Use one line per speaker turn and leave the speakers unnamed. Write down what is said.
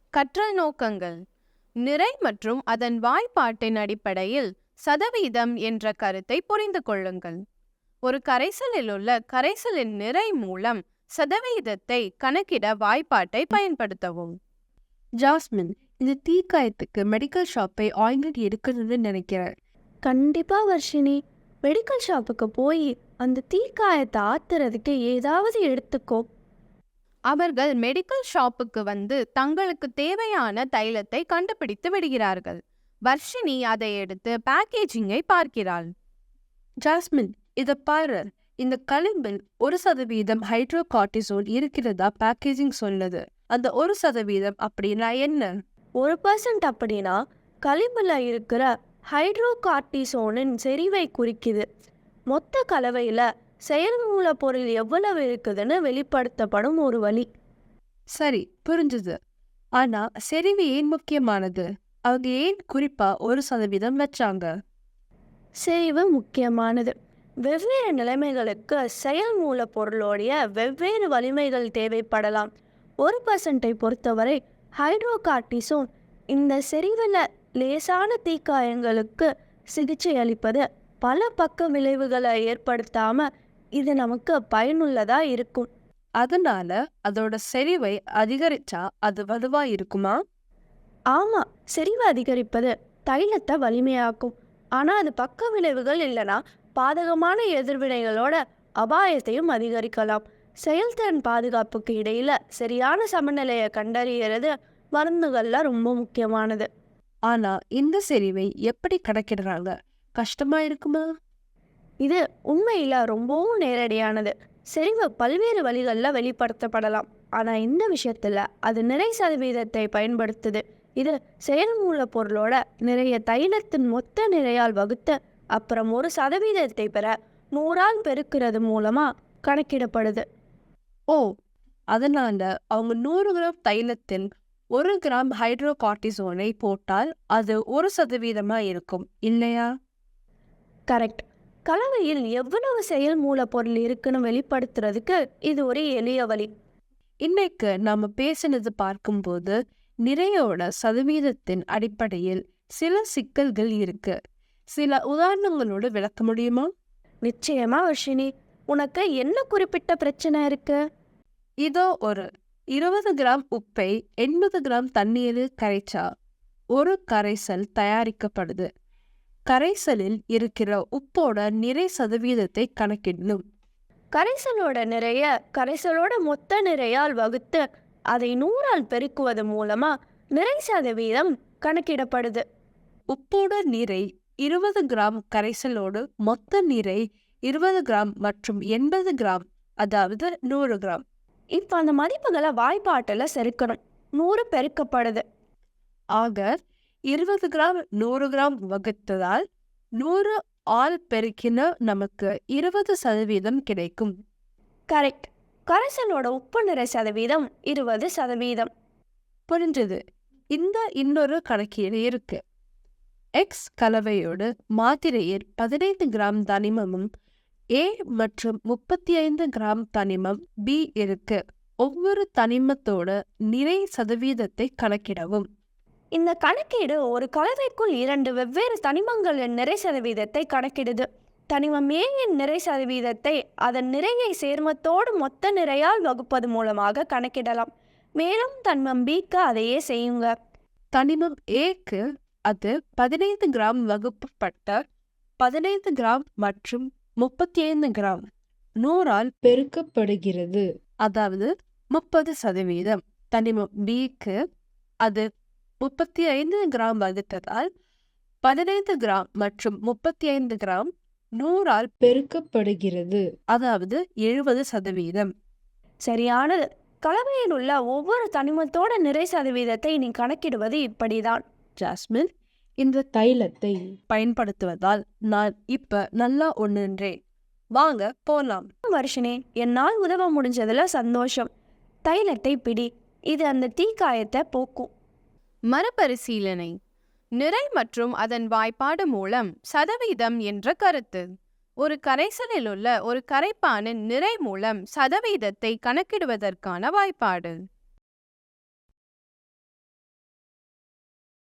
கற்றல் நோக்கங்கள். நிறை மற்றும் அதன் வாய்ப்பாட்டின் அடிப்படையில் சதவீதம் என்ற கருத்தை புரிந்து கொள்ளுங்கள். ஒரு கரைசலில் உள்ள கரைசலின் நிறை மூலம் சதவீதத்தை கணக்கிட வாய்ப்பாட்டை பயன்படுத்தவும்.
ஜாஸ்மின், இந்த தீக்காயத்துக்கு மெடிக்கல் ஷாப்பை ஆயின்மெண்ட் எடுக்கணும்னு நினைக்கிறேன்.
கண்டிப்பா வர்ஷினி, மெடிக்கல் ஷாப்புக்கு போய் அந்த தீக்காயத்தை ஆத்துறதுக்கு ஏதாவது எடுத்துக்கோ.
அவர்கள் மெடிக்கல் ஷாப்புக்கு வந்து தங்களுக்கு தேவையான தைலத்தை கண்டுபிடித்து விடுகிறார்கள். வர்ஷினி அதை எடுத்து பேக்கேஜிங்கை பார்க்கிறாள்.
ஜாஸ்மின், இதை பாரு. இந்த களிம்பில் 1% ஹைட்ரோகார்டிசோல் இருக்கிறதா பேக்கேஜிங் சொல்லுது. அந்த 1% அப்படின்னா என்ன?
1% அப்படின்னா களிம்புல இருக்கிற ஹைட்ரோகார்டிசோனின் செறிவை குறிக்குது. மொத்த கலவையில் செயல் மூலப்பொருள் எவ்வளவு இருக்குதுன்னு வெளிப்படுத்தப்படும் ஒரு வழி.
சரி, புரிஞ்சுது. ஆனா செறிவு ஏன் முக்கியமானது? அவங்க ஏன் குறிப்பா 1% வச்சாங்க?
செறிவு முக்கியமானது. வெவ்வேறு நிலைமைகளுக்கு செயல் மூலப்பொருளோடைய வெவ்வேறு வலிமைகள் தேவைப்படலாம். 1%ஐ பொறுத்தவரை ஹைட்ரோகார்டிசோன் இந்த செறிவில் லேசான தீக்காயங்களுக்கு சிகிச்சை அளிப்பது பல பக்க விளைவுகளை ஏற்படுத்தாம இது நமக்கு பயனுள்ளதா இருக்கும்.
அதனால அதோட செறிவை அதிகரிச்சா அது வலுவா இருக்குமா?
ஆமா, செறிவு அதிகரிப்பது தைலத்தை வலிமையாக்கும். ஆனா அது பக்க விளைவுகள் இல்லைனா பாதகமான எதிர்வினைகளோட அபாயத்தையும் அதிகரிக்கலாம். செயல்திறன் பாதுகாப்புக்கு இடையில சரியான சமநிலையை கண்டறியறது மருந்துகள்ல ரொம்ப முக்கியமானது.
ஆனா இந்த செறிவை எப்படி கணக்கிடுறாங்க? கஷ்டமா இருக்குமா?
இது உண்மையில ரொம்பவும் நேரடியானது. செறிவு பல்வேறு வழிகளில் வெளிப்படுத்தப்படலாம். ஆனால் இந்த விஷயத்தில் அது நிறை சதவீதத்தை பயன்படுத்துது. இது செயல் மூலப்பொருளோட நிறைய தைலத்தின் மொத்த நிறையால் வகுத்து அப்புறம் 1% பெற 100ஆல் பெருக்கிறது மூலமாக கணக்கிடப்படுது.
ஓ, அதனால அவங்க 100 கிராம் தைலத்தில் 1 கிராம் ஹைட்ரோகார்டிசோனை போட்டால் அது 1% இருக்கும் இல்லையா?
கரெக்ட். கலவையில் எவ்வளவு செயல் மூலப்பொருள் இருக்குன்னு வெளிப்படுத்துறதுக்கு இது ஒரு எளிய வழி.
இன்னைக்கு நாம பேசினது பார்க்கும்போது நிறையோட சதவீதத்தின் அடிப்படையில் சில சிக்கல்கள் இருக்கு. சில உதாரணங்களோடு விளக்க முடியுமா?
நிச்சயமா வர்ஷினி, உனக்கு என்ன குறிப்பிட்ட பிரச்சனை இருக்கு?
இதோ ஒரு 20 கிராம் உப்பை 80 கிராம் தண்ணீரில் கரைச்சா ஒரு கரைசல் தயாரிக்கப்படுது. கரைசலில் இருக்கிற உப்போட நிறை சதவீதத்தை கணக்கிடணும்.
கரைசலோட நிறைய கரைசலோட மொத்த நிறையால் வகுத்து அதை 100ஆல் பெருக்குவது மூலமா நிறை சதவீதம் கணக்கிடப்படுது.
உப்போட நிறை 20 கிராம் கரைசலோடு மொத்த நிறை 20 கிராம் மற்றும் 80 கிராம், அதாவது 100 கிராம்.
இப்போ அந்த மதிப்புகளை வாய்ப்பாட்டில் செருக்கணும். 100 பெருக்கப்படுது.
ஆக 20 கிராம் 100 கிராம் வகுத்ததால் 100 ஆல் பெருக்கின நமக்கு 20% கிடைக்கும்.
கரெக்ட். கரைசலோட உப்பு நிறை சதவீதம் 20%.
புரிஞ்சது. இந்த இன்னொரு கணக்கீடு இருக்கு. எக்ஸ் கலவையோடு மாத்திரையில் 15 கிராம் தனிமமும் ஏ மற்றும் 35 கிராம் தனிமம் பி இருக்கு. ஒவ்வொரு தனிமத்தோட நிறை சதவீதத்தை கணக்கிடவும்.
இந்த கணக்கீடு ஒரு கலவைக்குள் 2 வெவ்வேறு தனிமங்களின் நிறை சதவீதத்தை கணக்கிடுது. தனிமம் ஏயின் நிறை சதவீதத்தை அதன் நிறையை சேர்மத்தோடு மொத்த நிறையால் வகுப்பது மூலமாக கணக்கிடலாம். மேலும் தனிமம் பிக்கு அதையே செய்யுங்க.
தனிமம் ஏக்கு அது 15 கிராம் வகுப்பப்பட்ட 15 கிராம் மற்றும் 35 கிராம் 100ஆல் பெருக்கப்படுகிறது, அதாவது 30%. தனிமம் பிக்கு அது 35 கிராம் வகுத்ததால் 15 கிராம் மற்றும் 35 கிராம் 100ஆல் பெருக்கப்படுகிறது, அதாவது 70%.
சரியானது. கலவையில் உள்ள ஒவ்வொரு தனிமத்தோட நிறை சதவீதத்தை நீ கணக்கிடுவது இப்படிதான்.
ஜாஸ்மின், இந்த தைலத்தை பயன்படுத்துவதால் நான் இப்ப நல்லா ஒண்ணுன்றேன். வாங்க போலாம்.
வர்ஷினி, என்னால் உதவ முடிஞ்சதுல சந்தோஷம். தைலத்தை பிடி, இது அந்த தீக்காயத்தை போக்கும்.
மறுபரிசீலனை. நிறை மற்றும் அதன் வாய்ப்பாடு மூலம் சதவீதம் என்ற கருத்து. ஒரு கரைசலில் உள்ள ஒரு கரைப்பானின் நிறை மூலம் சதவீதத்தை கணக்கிடுவதற்கான வாய்ப்பாடு.